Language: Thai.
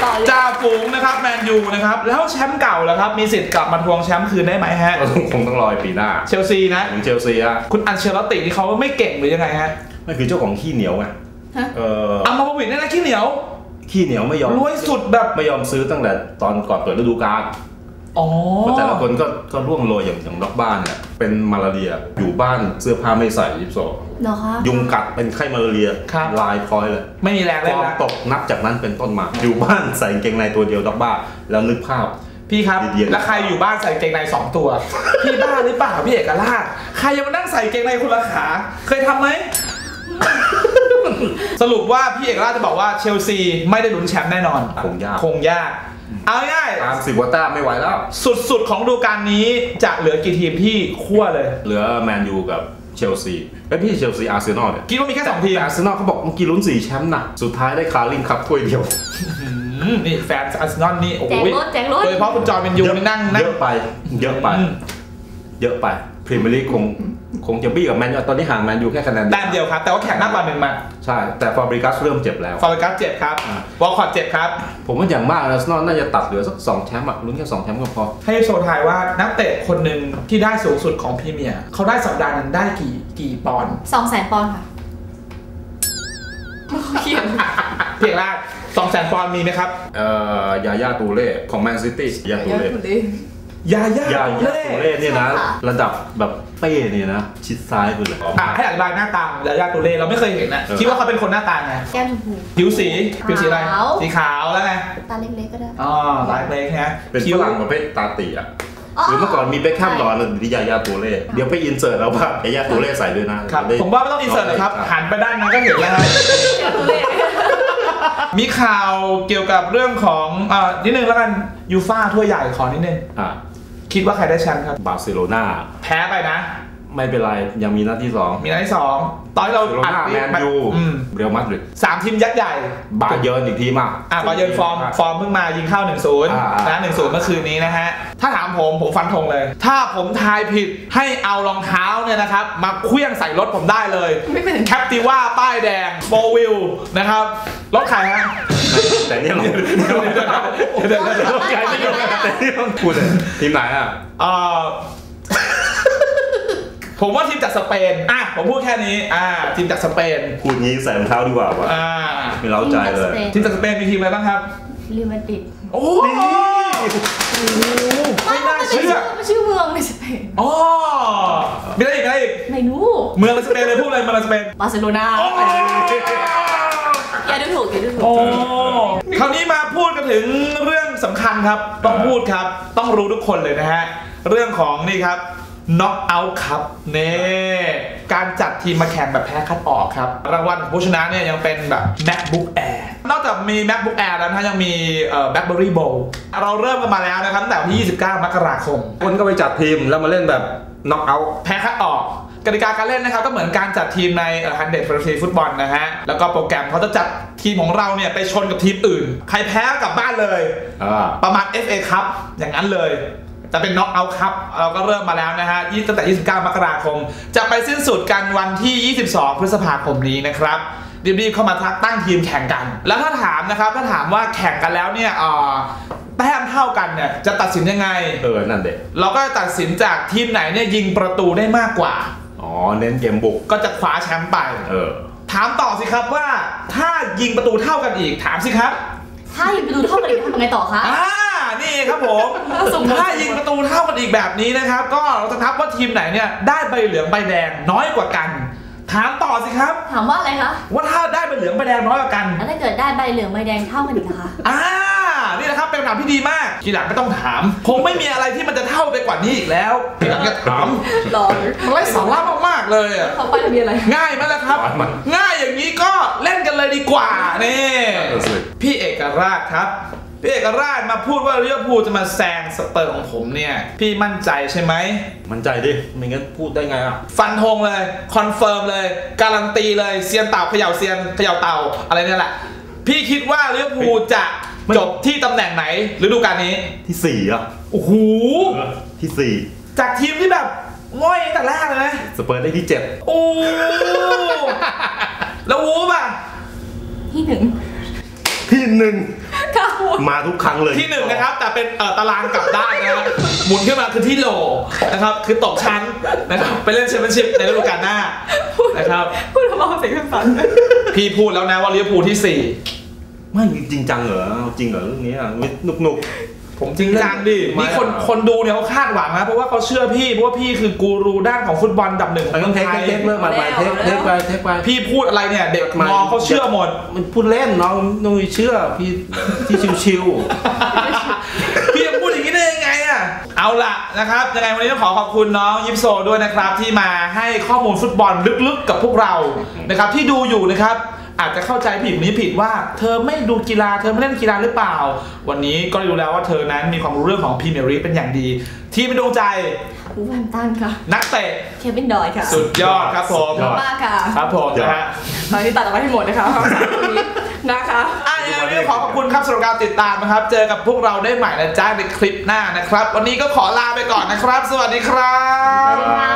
จ่าฝูงนะครับแมนยูนะครับแล้วแชมป์เก่าแล้วครับมีสิทธิ์กลับมาทวงแชมป์คืนได้ไหมฮะคงต้องรอปีหน้าเชลซีนะเชลซีอะคุณอันเชลตินี่เขาไม่เก่งหรือยังไงฮะนั่นคือเจ้าของขี้เหนียวไงอัมมาบวินนี่นะขี้เหนียวไม่ยอมรวยสุดแบบไม่ยอมซื้อตั้งแต่ตอนก่อนเปิดฤดูกาลแต่ละคนก็ร่วงโรยอย่างล็อกบ้านเนี่ยเป็นมาลาเรียอยู่บ้านเสื้อผ้าไม่ใส่ยิบโซยุงกัดเป็นไข้มาลาเรียลายพลอยเลยไม่มีแรงเลยนะตกนับจากนั้นเป็นต้นมาอยู่บ้านใส่กางเกงในตัวเดียวล็อกบ้าแล้วนึกภาพพี่ครับแล้วใครอยู่บ้านใส่กางเกงใน2 ตัวพี่บ้าหรือเปล่าพี่เอกราชใครยังมานั่งใส่กางเกงในคนละขาเคยทำไหมสรุปว่าพี่เอกราชจะบอกว่าเชลซีไม่ได้ลุ้นแชมป์แน่นอนคงยากเอาง่ายตาม10 กว่าแต้มไม่ไหวแล้วสุดของฤดูกาลนี้จะเหลือกี่ทีมที่คั่วเลยเหลือแมนยูกับเชลซีพี่เชลซีอาร์เซนอลเนี่ยคิดว่ามีแค่2 ทีมอาร์เซนอลเขาบอกเมื่อกี้ลุ้น4 แชมป์นะสุดท้ายได้คาริงคัพถ้วยเดียวนี่แฟนอาร์เซนอลนี่โอ้ยแจกรถโดยเฉพาะคุณจอห์นเป็นยูนี่นั่งเยอะไปพรีเมียร์ลีกคงจะบี้กับแมนยูตอนนี้ห่างแมนยูแค่คะแนนแต้มเดียวครับแต่ว่าแข่งมากกว่า1 มาใช่แต่ฟาบริกัสเริ่มเจ็บแล้วฟาบริกัสเจ็บครับวอลคอตเจ็บครับผมว่าอย่างมากอาร์เซนอลน่าจะตัดเหลือสัก2 แชมป์ลุ้นแค่2 แชมป์ก็พอให้โชว์ทายว่านักเตะคนหนึ่งที่ได้สูงสุดของพรีเมียร์เขาได้สัปดาห์นึงได้กี่ปอนด์ 200,000 ปอนด์ค่ะเพียงแรก200,000 ปอนด์มีไหมครับยาย่าตูเล่ของแมนซิตี้ยาตูเล่ยาตูเล่เนี่ยนะระดับแบบเป้เนี่ยนะชิดซ้ายไปเลยให้อธิบายหน้าตายาตูเล่เราไม่เคยเห็นนะคิดว่าเขาเป็นคนหน้าตาไงแก้มชมพูผิวสีอะไรสีขาวแล้วไงตาเล็กๆก็ได้ตาเล็กๆฮะเป็นฝรั่งประเภทตาตีอ่ะหรือเมื่อก่อนมีเบคแฮมหล่อเลยดิยาตูเล่เดี๋ยวไปอินเสิร์ตเอาว่ายาตูเล่ใส่ด้วยนะครับผมว่าไม่ต้องอินเสิร์ตเลยครับหันไปด้านนั้นก็เห็นแล้วมีข่าวเกี่ยวกับเรื่องของนิดนึงแล้วกันยูฟ่าถ้วยใหญ่ขอนิดนึงคิดว่าใครได้แชมป์ครับบาร์เซโลนาแพ้ไปนะไม่เป็นไรยังมีนัดที่2 ตอนเราอัดแมนยูเรอัลมาดริด 3 ทีมยักษ์ใหญ่บาเยิร์นอีกทีมากบาเยิร์นฟอร์มเพิ่งมายิงเข้า 1-0 นะ 1-0 เมื่อคืนนี้นะฮะถ้าถามผมฟันธงเลยถ้าผมทายผิดให้เอารองเท้าเนี่ยนะครับมาเคลื่องใส่รถผมได้เลยแคปติว่าป้ายแดงโฟวิลนะครับรถใครฮะแต่เนี่ยพูดเลยทีมไหนอ่ะผมว่าทีมจากสเปนผมพูดแค่นี้ทีมจากสเปนพูดงี้ใส่รองเท้าดีกว่าไม่เล้าใจเลยทีมจากสเปนมีทีมอะไรบ้างครับเรอัลมาดริดโอ้ไม่น่าเชื่อชื่อเมืองในสเปนมีอะไรอีกไม่รู้เมืองในสเปนเลยพูดเลยเมืองในสเปนบาร์เซโลนาอย่าดูถูกคราวนี้มาพูดกันถึงเรื่องสำคัญครับต้องพูดครับต้องรู้ทุกคนเลยนะฮะเรื่องของนี่ครับน็อกเอาท์ครับการจัดทีมมาแข่งแบบแพ้คัดออกครับรางวัลของผู้ชนะเนี่ยยังเป็นแบบ MacBook Air นอกจากมี MacBook Air แล้วนะยังมีBlackBerry Bowl เราเริ่มกันมาแล้วนะครับตั้งแต่วันที่29 มกราคมคนก็ไปจัดทีมแล้วมาเล่นแบบน็อกเอาท์แพ้คัดออกกติกาการเล่นนะครับก็เหมือนการจัดทีมใน100 Fantasy Football นะฮะแล้วก็โปรแกรมเขาจะจัดทีมของเราเนี่ยไปชนกับทีมอื่นใครแพ้กลับบ้านเลยประมาณ FA Cup อย่างนั้นเลยแต่เป็นน็อกเอาท์ครับเราก็เริ่มมาแล้วนะฮะตั้งแต่29 มกราคมจะไปสิ้นสุดกันวันที่22 พฤษภาคมนี้นะครับรีบๆเข้ามาตั้งทีมแข่งกันแล้วถ้าถามนะครับถ้าถามว่าแข่งกันแล้วเนี่ยแต้มเท่ากันเนี่ยจะตัดสินยังไงนั่นเด็กเราก็ตัดสินจากทีมไหนเนี่ยยิงประตูได้มากกว่าเน้นเกมบุกก็จะคว้าแชมป์ไปถามต่อสิครับว่าถ้ายิงประตูเท่ากันอีกถามสิครับถ้ายิงประตูเท่ากันอีกทำยังไงต่อคะนี่ครับผมถ้ายิงประตูเท่ากันอีกแบบนี้นะครับก็เราจะนับว่าทีมไหนเนี่ยได้ใบเหลืองใบแดงน้อยกว่ากันถามต่อสิครับถามว่าอะไรคะว่าถ้าได้ใบเหลืองใบแดงน้อยกว่ากันแล้วถ้าเกิดได้ใบเหลืองใบแดงเท่ากันอีกนะคะนี่นะครับเป็นคำถามที่ดีมากทีหลังไม่ต้องถามคงไม่มีอะไรที่มันจะเท่าไปกว่านี้อีกแล้วทีหลังจะถามมันไร้สาระมากๆเลยเขาไปทะเบียนอะไรง่ายไหมล่ะครับง่ายอย่างนี้ก็เล่นกันเลยดีกว่านี่พี่เอกราชครับพี่เอกราชมาพูดว่าลิเวอร์พูลจะมาแซงสเปอร์ของผมเนี่ยพี่มั่นใจใช่ไหมมั่นใจดิไม่งั้นพูดได้ไงฟันธงเลยคอนเฟิร์มเลยการันตีเลยเซียนเต่าเขย่าเซียนเขย่าเต่าอะไรเนี่ยแหละพี่คิดว่าลิเวอร์พูลจะจบที่ตำแหน่งไหนฤดูกาลนี้ที่4 โอ้โหที่4 จากทีมที่แบบง่อยแต่แรกเลยนะสเปอร์ได้ที่7 โอ้แล้ววูฟที่1 ที่1 กาวูมาทุกครั้งเลยที่1นะครับแต่เป็นตารางกลับด้านนะหมุนขึ้นมาคือที่โหลนะครับคือตกชั้นนะครับไปเล่นแชมเปี้ยนชิพในฤดูกาลหน้านะครับพูดทำไมเสียงสั่นพี่พูดแล้วนะว่าลิเวอร์พูลที่ 4ไม่จริงจังเหรอจริงเหรอเรื่องนี้นุกผมจริงจังดินี่คนดูเนี่ยเขาคาดหวังนะเพราะว่าเขาเชื่อพี่เพราะว่าพี่คือกูรูด้านของฟุตบอลอันดับ1 ต้องเทคเมื่อมาเทคไปพี่พูดอะไรเนี่ยเด็กมองเขาเชื่อหมดมันพูดเล่นน้องเชื่อพี่ที่ชิวๆพี่พูดอย่างนี้ได้ยังไงอ่ะเอาล่ะนะครับยังไงวันนี้ต้องขอบคุณน้องยิปโซด้วยนะครับที่มาให้ข้อมูลฟุตบอลลึกๆกับพวกเรานะครับที่ดูอยู่นะครับอาจจะเข้าใจผิดนี้ผิดว่าเธอไม่ดูกีฬาเธอไม่เล่นกีฬาหรือเปล่าวันนี้ก็รู้แล้วว่าเธอนั้นมีความรู้เรื่องของพรีเมียร์ลีกเป็นอย่างดีที่เป็นดวงใจวูแวมตันค่ะนักเตะเควินดอยค่ะสุดยอดครับผมมากค่ะครับผมนะฮะตอนนี้ตัดออกไปให้หมดนะคะนะคะยังไงขอบคุณครับสำหรับการติดตามนะครับเจอกับพวกเราได้ใหม่นะจ๊ะในคลิปหน้านะครับวันนี้ก็ขอลาไปก่อนนะครับสวัสดีครับ